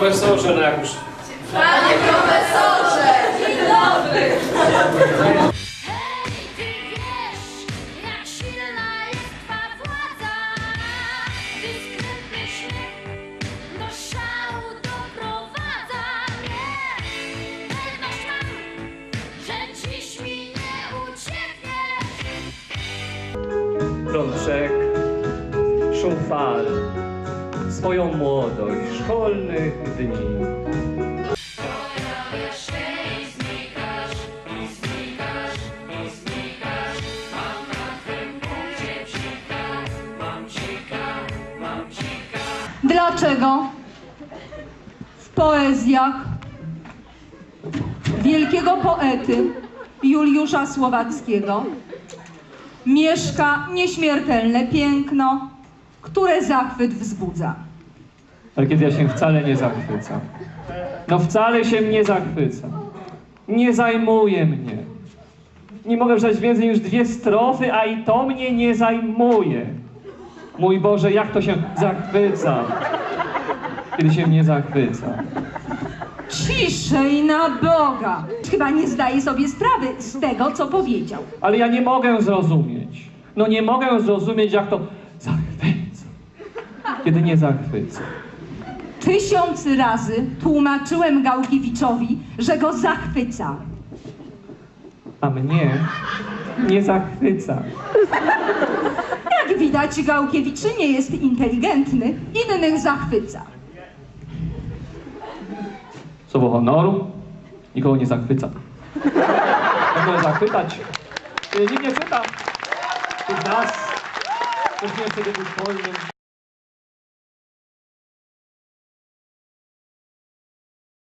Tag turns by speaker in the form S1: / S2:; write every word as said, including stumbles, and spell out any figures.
S1: profesorze, no jak już...
S2: Panie profesorze! Dzień dobry!
S3: Hej, ty wiesz, jak silna jest twa władza. Dyskretny śmiech do szału doprowadza mnie. Pewność mam, że dziś mi nie uciekniesz.
S4: Prąd rzek, szum fal, swoją młodość szkolnych dni.
S3: Pojawiasz się i znikasz, i znikasz, i znikasz. Mam na twym punkcie psika, mam psika, mam psika.
S5: Dlaczego w poezjach wielkiego poety Juliusza Słowackiego mieszka nieśmiertelne piękno, które zachwyt wzbudza?
S4: Ale kiedy ja się wcale nie zachwycam. No wcale się nie zachwycam. Nie zajmuje mnie. Nie mogę przeczytać więcej niż dwie strofy, a i to mnie nie zajmuje. Mój Boże, jak to się zachwyca, kiedy się nie zachwyca.
S5: Ciszej na Boga! Chyba nie zdaje sobie sprawy z tego, co powiedział.
S4: Ale ja nie mogę zrozumieć. No nie mogę zrozumieć, jak to zachwyca, kiedy nie zachwyca.
S5: Tysiąc razy tłumaczyłem Gałkiewiczowi, że go zachwyca.
S4: A mnie nie zachwyca.
S5: Jak widać, Gałkiewicz nie jest inteligentny, innych zachwyca.
S4: Słowo honoru nikogo nie zachwyca. Mogę zachwytać, kiedy nikt nie czyta. Tych nas, ktoś nie chce być wolnym.